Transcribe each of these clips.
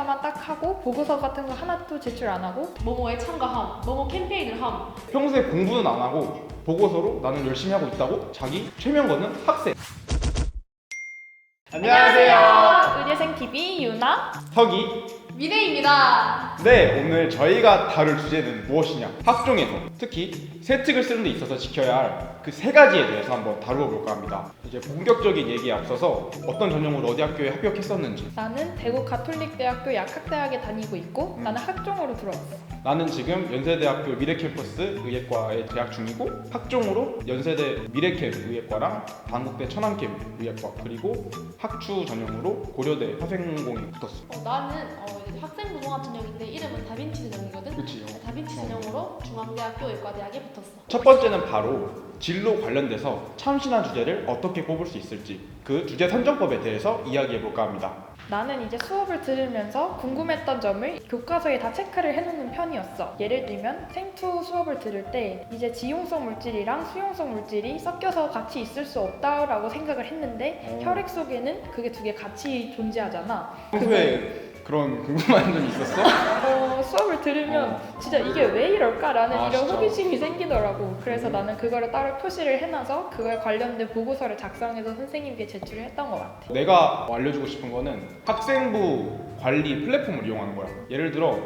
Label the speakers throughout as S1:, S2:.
S1: 하나만 딱 하고 보고서 같은 거 하나도 제출 안 하고
S2: 뭐뭐에 참가함, 뭐뭐 캠페인을 함.
S3: 평소에 공부는 안 하고 보고서로 나는 열심히 하고 있다고 자기 최면 거는 학생. 안녕하세요.
S1: 의대생TV 유나.
S3: 혁이.
S2: 미래입니다.
S3: 네, 오늘 저희가 다룰 주제는 무엇이냐? 학종에서 특히 세특을 쓰는 데 있어서 지켜야 할 그 세 가지에 대해서 한번 다루어 볼까 합니다. 이제 본격적인 얘기에 앞서서 어떤 전형으로 어디 학교에 합격했었는지,
S1: 나는 대구 가톨릭대학교 약학대학에 다니고 있고 나는 학종으로 들어왔어.
S3: 나는 지금 연세대학교 미래캠퍼스 의예과에 재학 중이고 학종으로 연세대 미래캠 의예과랑 단국대 천안캠 의예과 그리고 학추 전형으로 고려대 화생공에 붙었어.
S2: 나는 이제 학생부 종합 전형인데 이름은 다빈치 전형이거든.
S3: 그치?
S2: 다빈치 전형으로 중앙대학교 의과대학에 붙었어.
S3: 첫 번째는 바로 진로 관련돼서 참신한 주제를 어떻게 뽑을 수 있을지 그 주제 선정법에 대해서 이야기해 볼까 합니다.
S1: 나는 이제 수업을 들으면서 궁금했던 점을 교과서에 다 체크를 해놓는 편이었어. 예를 들면 생투 수업을 들을 때 이제 지용성 물질이랑 수용성 물질이 섞여서 같이 있을 수 없다라고 생각을 했는데 혈액 속에는 그게 두 개 같이 존재하잖아.
S3: 평소에 그런 궁금한 점이 있었어?
S1: 수업을 들으면 진짜 이게 왜 이럴까라는 이런
S3: 진짜?
S1: 호기심이 생기더라고. 그래서 나는 그거를 따로 표시를 해놔서 그거에 관련된 보고서를 작성해서 선생님께 제출을 했던 것 같아.
S3: 내가 알려주고 싶은 거는 학생부 관리 플랫폼을 이용하는 거야. 예를 들어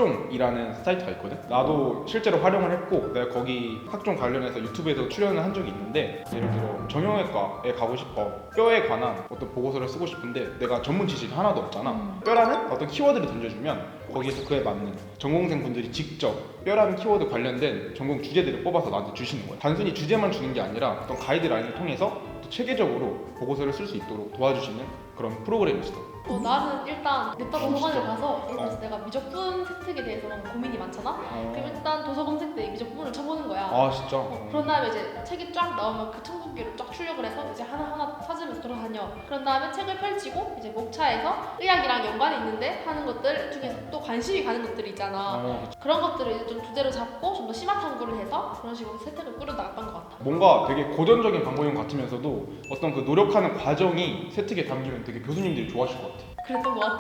S3: 학종이라는 사이트가 있거든. 나도 실제로 활용을 했고 내가 거기 학종 관련해서 유튜브에서 출연을 한 적이 있는데 예를 들어 정형외과에 가고 싶어. 뼈에 관한 어떤 보고서를 쓰고 싶은데 내가 전문 지식이 하나도 없잖아. 뼈라는 어떤 키워드를 던져주면 거기에서 그에 맞는 전공생 분들이 직접 뼈라는 키워드 관련된 전공 주제들을 뽑아서 나한테 주시는 거야. 단순히 주제만 주는 게 아니라 어떤 가이드라인을 통해서 또 체계적으로 보고서를 쓸 수 있도록 도와주시는 그런 프로그램이 있어.
S2: 나는 일단 냅다 도서관에
S3: 진짜?
S2: 가서 예를 들어서 내가 미적분 세특에 대해서 너무 고민이 많잖아. 그럼 일단 도서 검색 때 미적분을 쳐보는 거야.
S3: 아 진짜?
S2: 그런 다음에 이제 책이 쫙 나오면 그 청국기를 쫙 출력을 해서 이제 하나하나 찾으면서 돌아다녀. 그런 다음에 책을 펼치고 이제 목차에서 의학이랑 연관이 있는데 하는 것들 중에서 또 관심이 가는 것들이 있잖아.
S3: 그치.
S2: 그런 것들을 이제 좀 주제로 잡고 좀 더 심화 탐구를 해서 그런 식으로 세특을 꾸려나갔던 것 같아.
S3: 뭔가 되게 고전적인 방법인 것 같으면서도 어떤 그 노력하는 과정이 세특에 담기면 되게 교수님들이 좋아하실 것 같아.
S2: 그랬던 것 같아.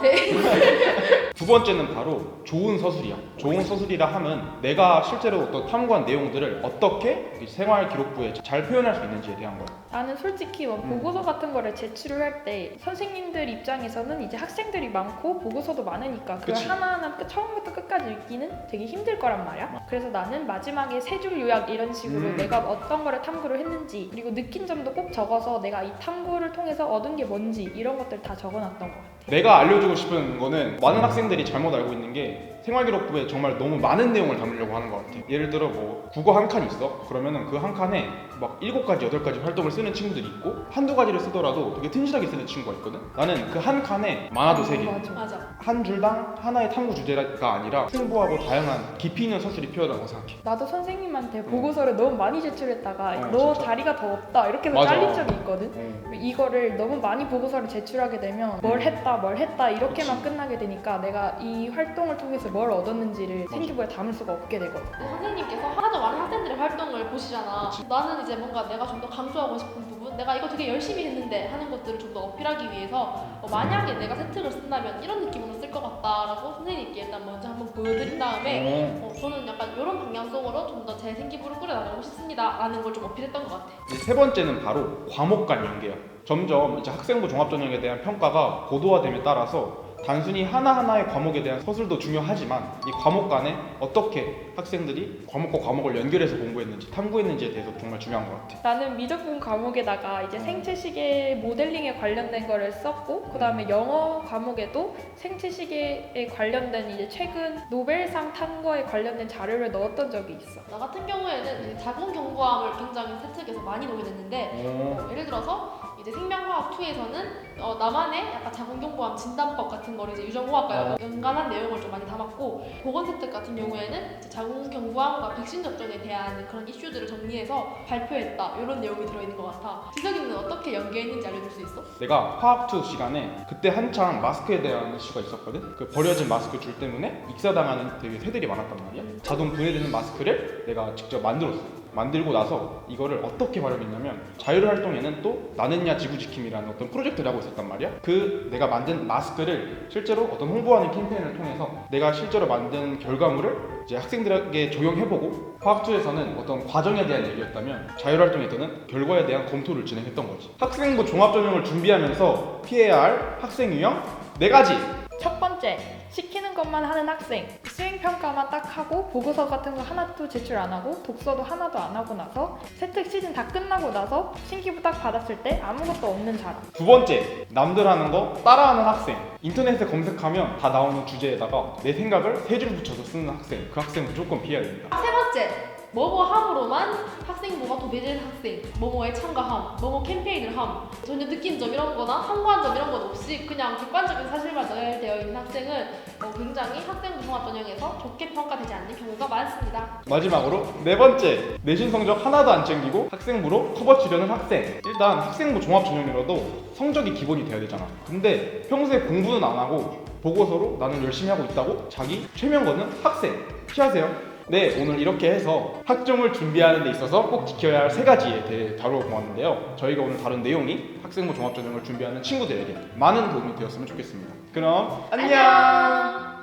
S3: 두 번째는 바로 좋은 서술이야. 좋은 서술이라 하면 내가 실제로 어떤 탐구한 내용들을 어떻게 생활 기록부에 잘 표현할 수 있는지에 대한 거야.
S1: 나는 솔직히 보고서 같은 거를 제출을 할 때 선생님들 입장에서는 이제 학생들이 많고 보고서도 많으니까 그걸
S3: 그치.
S1: 하나하나 처음부터 끝까지 읽기는 되게 힘들 거란 말이야. 그래서 나는 마지막에 세 줄 요약 이런 식으로 내가 어떤 거를 탐구를 했는지 그리고 느낀 점도 꼭 적어서 내가 이 탐구를 통해서 얻은 게 뭔지 이런 것들 다 적어놨던 것 같아.
S3: 내가 알려주고 싶은 거는 많은 학생들이 잘못 알고 있는 게 생활기록부에 정말 너무 많은 내용을 담으려고 하는 것 같아. 예를 들어 뭐 국어 한 칸 있어? 그러면은 그 한 칸에 막 7가지, 8가지 활동을 쓰는 친구들이 있고 한두 가지를 쓰더라도 되게 튼실하게 쓰는 친구가 있거든? 나는 그 한 칸에 많아도 3개.
S2: 맞아.
S3: 한 줄당 하나의 탐구 주제가 아니라 풍부하고 다양한 깊이 있는 서술이 필요하다고 생각해.
S1: 나도 선생님한테 보고서를 너무 많이 제출했다가 너
S3: 진짜?
S1: 자리가 더 없다 이렇게 해서
S3: 맞아.
S1: 잘린 적이 있거든. 이거를 너무 많이 보고서를 제출하게 되면 뭘 했다 이렇게만 끝나게 되니까 내가 이 활동을 통해서 뭘 얻었는지를 생기부에 담을 수가 없게 되거든.
S2: 선생님께서 하나도 많은 학생들의 활동을 보시잖아.
S3: 그치.
S2: 나는 이제 뭔가 내가 좀 더 강조하고 싶은 부분, 내가 이거 되게 열심히 했는데 하는 것들을 좀 더 어필하기 위해서 만약에 내가 세특을 쓴다면 이런 느낌으로 쓸 것 같다라고 선생님께 일단 먼저 한번 보여드린 다음에 저는 약간 이런 방향성으로 좀 더 제 생기부를 꾸려나가고 싶습니다 라는 걸 좀 어필했던 것 같아.
S3: 이제 세 번째는 바로 과목 간 연계야. 점점 이제 학생부 종합전형에 대한 평가가 고도화됨에 따라서 단순히 하나하나의 과목에 대한 서술도 중요하지만 이 과목 간에 어떻게 학생들이 과목과 과목을 연결해서 공부했는지 탐구했는지에 대해서 정말 중요한 것 같아.
S1: 나는 미적분 과목에다가 이제 생체시계 모델링에 관련된 거를 썼고 그 다음에 영어 과목에도 생체시계에 관련된 이제 최근 노벨상 탄 거에 관련된 자료를 넣었던 적이 있어.
S2: 나 같은 경우에는 이제 자궁경부암을 굉장히 세특에서 많이 녹여냈는데 예를 들어서 이제 생명과학 2에서는 나만의 약간 자궁경부암 진단법 같은 거를 이제 유전공학과 연관한 내용을 좀 많이 담았고 보건세특 같은 경우에는 이제 자궁경부암과 백신 접종에 대한 그런 이슈들을 정리해서 발표했다 이런 내용이 들어있는 것 같아. 지석이는 어떻게 연계했는지 알려줄 수 있어?
S3: 내가 화학2 시간에 그때 한창 마스크에 대한 이슈가 있었거든. 그 버려진 마스크 줄 때문에 익사당하는 되게 새들이 많았단 말이야. 자동 분해되는 마스크를 내가 직접 만들었어. 만들고 나서 이거를 어떻게 활용했냐면 자율활동에는 또 나는야 지구지킴이라는 어떤 프로젝트를 하고 있었단 말이야. 그 내가 만든 마스크를 실제로 어떤 홍보하는 캠페인을 통해서 내가 실제로 만든 결과물을 이제 학생들에게 적용해보고 화학2에서는 어떤 과정에 대한 얘기였다면 자율활동에서는 결과에 대한 검토를 진행했던 거지. 학생부 종합전형을 준비하면서 피해야 할 학생 유형 4가지.
S1: 첫 번째, 시키는 것만 하는 학생. 수행평가만 딱 하고 보고서 같은 거 하나도 제출 안 하고 독서도 하나도 안 하고 나서 세특 시즌 다 끝나고 나서 신기부 딱 받았을 때 아무것도 없는 사람.
S3: 두 번째, 남들 하는 거 따라하는 학생. 인터넷에 검색하면 다 나오는 주제에다가 내 생각을 3줄 붙여서 쓰는 학생. 그 학생 무조건 피해야 됩니다.
S2: 세 번째, 뭐뭐함으로만 학생부가 도배된 학생, 뭐뭐에 참가함, 뭐뭐 캠페인을 함, 전혀 느낀 점 이런 거나 참고한 점 이런 것 없이 그냥 객관적인 사실만 전달되어 있는 학생은 굉장히 학생부 종합전형에서 좋게 평가되지 않는 경우가 많습니다.
S3: 마지막으로 4번째, 내신 성적 하나도 안 챙기고 학생부로 커버 치려는 학생. 일단 학생부 종합전형이라도 성적이 기본이 돼야 되잖아. 근데 평소에 공부는 안 하고 보고서로 나는 열심히 하고 있다고 자기 최면 거는 학생. 피하세요. 네, 오늘 이렇게 해서 학종을 준비하는 데 있어서 꼭 지켜야 할 3가지에 대해 다뤄보았는데요. 저희가 오늘 다룬 내용이 학생부 종합전형을 준비하는 친구들에게 많은 도움이 되었으면 좋겠습니다. 그럼 안녕!